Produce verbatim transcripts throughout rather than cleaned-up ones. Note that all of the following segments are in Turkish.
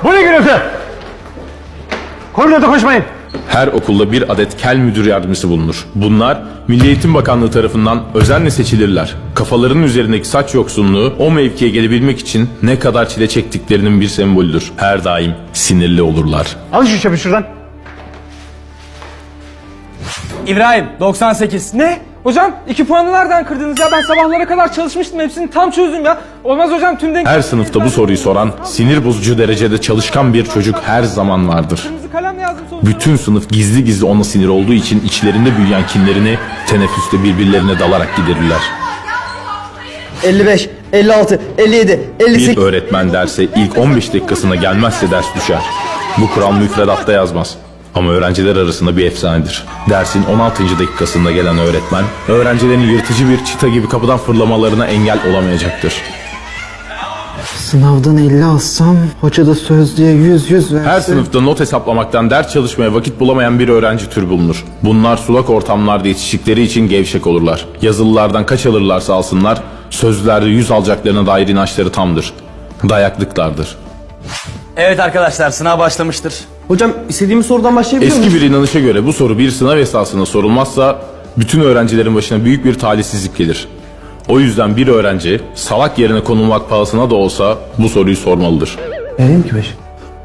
Bu ne gürültü? Koridorda koşmayın. Her okulda bir adet kel müdür yardımcısı bulunur. Bunlar Milli Eğitim Bakanlığı tarafından özenle seçilirler. Kafalarının üzerindeki saç yoksunluğu o mevkiye gelebilmek için ne kadar çile çektiklerinin bir sembolüdür. Her daim sinirli olurlar. Al şu çöpü şuradan. İbrahim doksan sekiz. Ne? Hocam iki puanı nereden kırdınız ya? Ben sabahlara kadar çalışmıştım. Hepsini tam çözdüm ya. Olmaz hocam, tüm denk... Her sınıfta bu soruyu soran, sinir bozucu derecede çalışkan bir çocuk her zaman vardır. Kırmızı kalemle yazdım sonuçta. Bütün sınıf gizli gizli ona sinir olduğu için içlerinde büyüyen kinlerini teneffüste birbirlerine dalarak giderirler. elli beş, elli altı, elli yedi, elli Bir sekiz... öğretmen derse ilk on beş dakikasına gelmezse ders düşer. Bu kural müfredatta yazmaz. Ama öğrenciler arasında bir efsanedir. Dersin on altıncı dakikasında gelen öğretmen, öğrencilerin yırtıcı bir çita gibi kapıdan fırlamalarına engel olamayacaktır. Sınavdan elli alsam, hoca da sözlüğe yüz yüz verse... Her sınıfta not hesaplamaktan ders çalışmaya vakit bulamayan bir öğrenci türü bulunur. Bunlar sulak ortamlarda yetiştikleri için gevşek olurlar. Yazılılardan kaç alırlarsa alsınlar, sözlülerde yüz alacaklarına dair inançları tamdır. Dayaklıklardır. Evet arkadaşlar, sınav başlamıştır. Hocam istediğimiz sorudan başlayabiliyor muyuz? Eski bir inanışa göre bu soru bir sınav esasında sorulmazsa bütün öğrencilerin başına büyük bir talihsizlik gelir. O yüzden bir öğrenci salak yerine konulmak pahasına da olsa bu soruyu sormalıdır. Vereyim ki beş.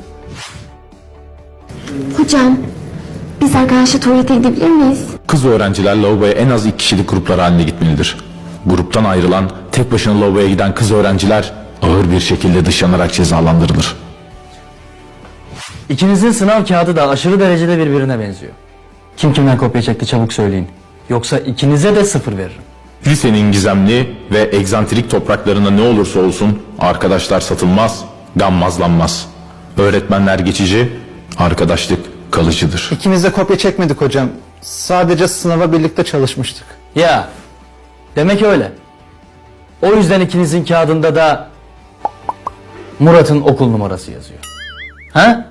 Hocam, biz arkadaşla tuvalete gidebilir miyiz? Kız öğrenciler lavaboya en az iki kişilik gruplar halinde gitmelidir. Gruptan ayrılan, tek başına lavaboya giden kız öğrenciler ağır bir şekilde dışlanarak cezalandırılır. İkinizin sınav kağıdı da aşırı derecede birbirine benziyor. Kim kimden kopya çekti çabuk söyleyin. Yoksa ikinize de sıfır veririm. Lisenin gizemli ve egzantrik topraklarında ne olursa olsun arkadaşlar satılmaz, gammazlanmaz. Öğretmenler geçici, arkadaşlık kalıcıdır. İkimiz de kopya çekmedik hocam. Sadece sınava birlikte çalışmıştık. Ya, demek öyle. O yüzden ikinizin kağıdında da Murat'ın okul numarası yazıyor. Ha?